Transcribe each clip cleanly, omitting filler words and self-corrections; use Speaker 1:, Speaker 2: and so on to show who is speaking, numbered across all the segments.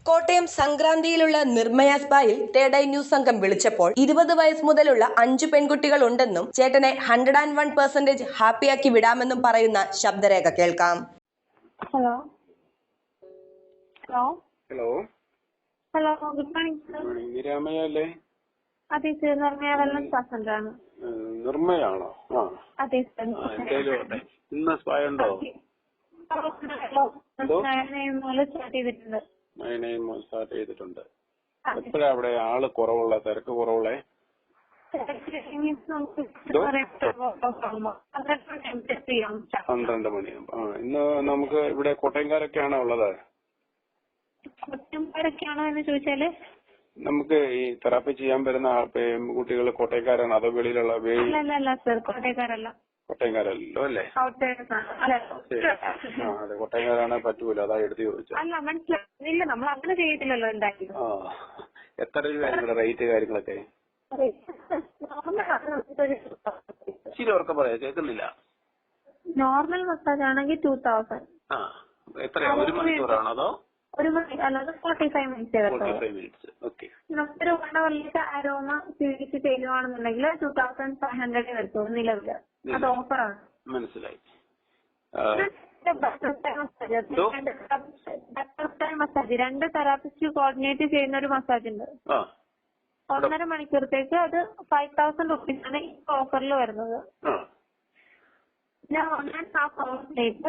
Speaker 1: കോട്ടയം സംക്രാന്തിയിലുള്ള നിർമ്മയ സ്പായിൽ third eye news സംഘം വിളിച്ചപ്പോൾ 20 വയസ്സ് മുതലുള്ള 5 പെൺകുട്ടികൾ ഉണ്ടെന്നും ചേട്ടനെ 101% ഹാപ്പിയാക്കി വിടാമെന്നും പറയുന്ന ശബ്ദരേഖ കേൾക്കാം.
Speaker 2: Hello hello
Speaker 3: hello
Speaker 2: hello good morning sir.
Speaker 3: നിരാമയല്ലേ?
Speaker 2: അതെ സർ, നിർമ്മയ വെൽനസ് സെന്റർ ആണ്.
Speaker 3: നിർമ്മയാണോ?
Speaker 2: അതെ സർ.
Speaker 3: എന്തായാലും ഇന്ന് സ്പായ ഉണ്ടോ? സ്റ്റാർട്ട് ചെയ്തിട്ടുണ്ട്. എപ്പോഴാ അവിടെ ആള് കുറവുള്ള, തിരക്ക് കുറവുള്ളേ? 12 മണിയാകുമ്പോ. ഇന്ന് നമുക്ക് ഇവിടെ കോട്ടയംകാരൊക്കെയാണോ ഉള്ളത്?
Speaker 2: കോട്ടയംകാരൊക്കെയാണോ എന്ന് ചോദിച്ചാല്
Speaker 3: നമുക്ക് ഈ തെറാപ്പി ചെയ്യാൻ വരുന്ന കുട്ടികൾ കോട്ടയംകാരാണ് അതോ വെളിയിലുള്ള?
Speaker 2: അല്ല സർ, കോട്ടയംകാരല്ല.
Speaker 3: കോട്ടയംകാരല്ലോ അല്ലേ? അതെ, കോട്ടയംകാരാണ് പറ്റൂല, അതാ എടുത്ത് ചോദിച്ചത്.
Speaker 2: അല്ല, മനസ്സിലായില്ല, നമ്മൾ അങ്ങനെ ചെയ്തിട്ടില്ലല്ലോ. എന്തായാലും
Speaker 3: എത്ര രൂപ റേറ്റ് കാര്യങ്ങളൊക്കെ? ശരി, ഉറക്കെ പറയാ, കേൾക്കുന്നില്ല.
Speaker 2: നോർമൽ മസാജ് ആണെങ്കിൽ 2000.
Speaker 3: എത്രയാ, 1 മണിക്കൂറാണോ അതോ
Speaker 2: 1 മണി? അല്ലാതെ 45 മിനിറ്റ്സ്.
Speaker 3: 45 മിനിറ്റ്സ്. ഓക്കെ.
Speaker 2: നമുക്കൊരു 1 അവറിലേക്ക് അരോമ സ്വീകരിച്ച് ചെയ്യുവാണെന്നുണ്ടെങ്കിൽ 2500 വരുത്തുള്ളൂ നിലവില്. അത് ഓഫറാണ്.
Speaker 3: മനസ്സിലായി.
Speaker 2: മസാജ് 2 തെറാപ്പിസ്റ്റ് കോർഡിനേറ്റ് ചെയ്യുന്ന ഒരു മസാജ് ഉണ്ട്. 1.5 മണിക്കൂറത്തേക്ക് അത് 5000 റുപ്പീസാണ് ഈ ഓഫറിൽ വരുന്നത്. പിന്നെ 1.5 അവറിലേക്ക്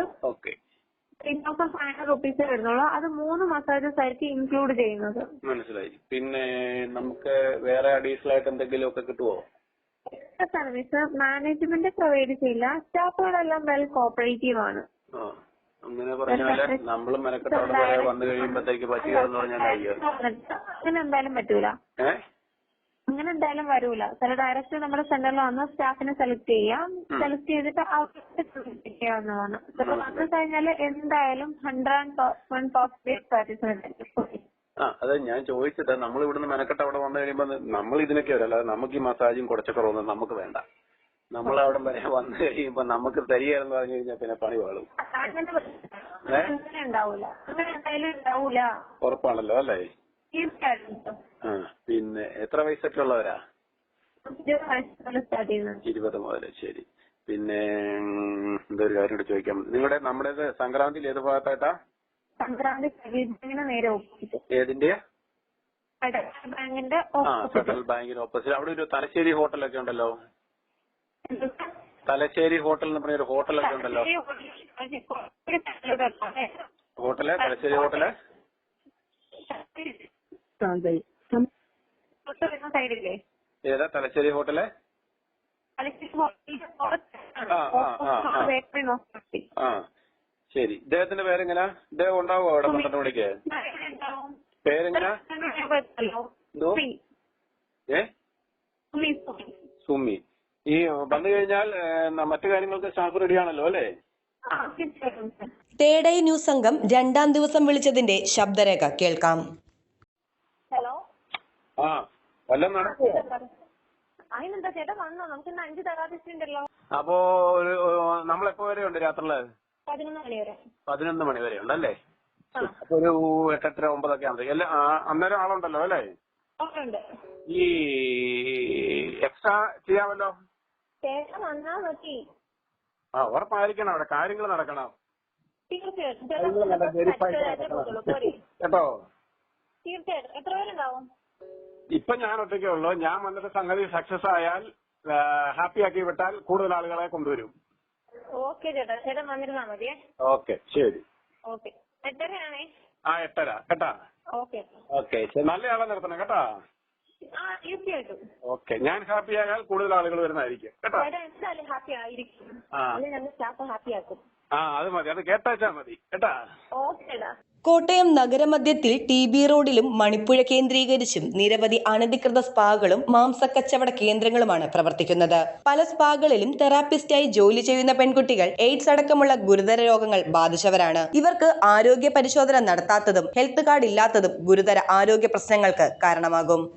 Speaker 2: 3500 റുപ്പീസ് വരുന്നുള്ളൂ. അത് 3 മസാജസ് ആയിരിക്കും ഇൻക്ലൂഡ് ചെയ്യുന്നത്.
Speaker 3: മനസ്സിലായി. പിന്നെ നമുക്ക് വേറെ അഡീഷണൽ ആയിട്ട് എന്തെങ്കിലും ഒക്കെ കിട്ടുമോ?
Speaker 2: സർവീസ് മാനേജ്മെന്റ് പ്രൊവൈഡ് ചെയ്യില്ല. സ്റ്റാഫുകളെല്ലാം വെൽ കോപ്പറേറ്റീവ് ആണ്.
Speaker 3: അങ്ങനെ പറഞ്ഞാല് നമ്മള് മെനക്കെട്ടോടെ വന്നു കഴിയുമ്പോഴത്തേക്ക് പറ്റുകയെന്ന് പറഞ്ഞാൽ
Speaker 2: അങ്ങനെ എന്തായാലും പറ്റൂല. അങ്ങനെ എന്തായാലും വരൂല. ചില ഡയറക്റ്റ് നമ്മുടെ സെന്ററിൽ വന്ന് സ്റ്റാഫിനെ സെലക്ട് ചെയ്യാം. സെലക്ട് ചെയ്തിട്ട് അവർക്ക് ചെയ്യാവുന്നതാണ്. വന്നു കഴിഞ്ഞാൽ എന്തായാലും 101% സാറ്റിസ്ഫാക്ഷൻ.
Speaker 3: അതെ, ഞാൻ ചോദിച്ചത് നമ്മൾ ഇവിടുന്ന് മെനക്കെട്ട് അവിടെ വന്നു കഴിയുമ്പോ നമ്മൾ ഇതിനൊക്കെ വരും, അല്ലാതെ നമുക്ക് ഈ മസാജും കുറച്ചൊക്കെ നമുക്ക് വേണ്ട. നമ്മൾ അവിടെ വരെ വന്നു കഴിയുമ്പോ നമുക്ക് തരികയെന്ന് പറഞ്ഞു കഴിഞ്ഞാൽ പിന്നെ പണി വാളും. ഉറപ്പാണല്ലോ അല്ലേ? പിന്നെ എത്ര വയസ്സൊക്കെ ഉള്ളവരാ? 20 മുതൽ. ശരി. പിന്നെ എന്തൊരു കാര്യം കൂടെ ചോദിക്കാം. നമ്മുടേത് സംക്രാന്തിയിൽ ഏത് ഭാഗത്തായിട്ടാ?
Speaker 2: സംക്രാന്തി നേരെ ഓപ്പോസിറ്റ്.
Speaker 3: ഏതിന്റെ?
Speaker 2: ബാങ്കിന്റെ
Speaker 3: ഫെഡറൽ ബാങ്കിന് ഓപ്പോസിറ്റ്. അവിടെ ഒരു തലശ്ശേരി ഹോട്ടലൊക്കെ ഉണ്ടല്ലോ. തലശ്ശേരി ഹോട്ടൽ എന്ന് പറഞ്ഞൊരു ഹോട്ടലൊക്കെ ഉണ്ടല്ലോ. ഹോട്ടല് തലശ്ശേരി ഹോട്ടല് ഏതാ? തലശ്ശേരി ഹോട്ടല്. ശരി. ഇദ്ദേഹത്തിന്റെ പേരെങ്ങനാ? ഇദ്ദേഹം ഉണ്ടാവോ അവിടെ 12 മണിക്ക്? പേരെങ്ങനാ? സുമി. ഈ വന്നു കഴിഞ്ഞാൽ മറ്റു കാര്യങ്ങൾക്ക് സ്റ്റാഫ് റെഡിയാണല്ലോ അല്ലേ?
Speaker 1: തേർഡ് ഐ ന്യൂസ് സംഘം 2ാം ദിവസം വിളിച്ചതിന്റെ ശബ്ദരേഖ കേൾക്കാം.
Speaker 2: ഹലോ.
Speaker 3: വല്ലതും നടക്കുമോ?
Speaker 2: അതിനെന്താ ചേട്ടാ വന്നോ? നമുക്ക് 5 തെറാപ്പിസ്റ്റ് ഉണ്ടല്ലോ.
Speaker 3: അപ്പോ നമ്മളെപ്പോ വരെ ഉണ്ട്? രാത്രിയില്
Speaker 2: 11 മണി വരെ.
Speaker 3: 11 മണി വരെ ഉണ്ടല്ലേ? അപ്പൊ ഒരു 8:30 9 ആകുമ്പോ എല്ലാം അന്നേരം ആളുണ്ടല്ലോ അല്ലേ? ഈ എക്സ്ട്രാ ചെയ്യാമല്ലോ.
Speaker 2: ചേട്ടൻ വന്നാ മതി.
Speaker 3: ഉറപ്പായിരിക്കണം, അവിടെ കാര്യങ്ങൾ നടക്കണം കേട്ടോ.
Speaker 2: തീർച്ചയായിട്ടും. എത്ര പേരുണ്ടാവും?
Speaker 3: ഇപ്പൊ ഞാൻ ഒറ്റയ്ക്കേ ഉള്ളൂ. ഞാൻ വന്നിട്ട് സംഗതി സക്സസ് ആയാൽ ഹാപ്പി ആക്കി വിട്ടാൽ കൂടുതൽ ആളുകളെ കൊണ്ടുവരും.
Speaker 2: ഓക്കെ ചേട്ടാ, ചേട്ടൻ വന്നിരുന്നാ മതിയേ.
Speaker 3: ഓക്കെ, ശരി.
Speaker 2: ഓക്കെ. 8:30
Speaker 3: 8:30 കേട്ടാ. ഓക്കെ, നല്ല ആളെ നിർത്തണം കേട്ടാ.
Speaker 2: തീർച്ചയായിട്ടും.
Speaker 3: ഓക്കെ, ഞാൻ ഹാപ്പി ആയാൽ കൂടുതൽ ആളുകൾ വരുന്നതായിരിക്കും കേട്ടോ.
Speaker 2: എന്തായാലും ഹാപ്പി ആയിരിക്കും. സ്റ്റാഫ് ഹാപ്പി ആക്കും.
Speaker 3: അത് മതി, അത് കേട്ടാച്ചാ മതി കേട്ടാ.
Speaker 2: ഓക്കേടാ.
Speaker 1: കോട്ടയം നഗരമധ്യത്തിൽ TB റോഡിലും മണിപ്പുഴ കേന്ദ്രീകരിച്ചും നിരവധി അനധികൃത സ്പാകളും മാംസക്കച്ചവട കേന്ദ്രങ്ങളുമാണ് പ്രവർത്തിക്കുന്നത്. പല സ്പാകളിലും തെറാപ്പിസ്റ്റായി ജോലി ചെയ്യുന്ന പെൺകുട്ടികൾ എയ്ഡ്സ് അടക്കമുള്ള ഗുരുതര രോഗങ്ങൾ ബാധിച്ചവരാണ്. ഇവർക്ക് ആരോഗ്യ പരിശോധന നടത്താത്തതും ഹെൽത്ത് കാർഡ് ഇല്ലാത്തതും ഗുരുതര ആരോഗ്യ പ്രശ്നങ്ങൾക്ക് കാരണമാകും.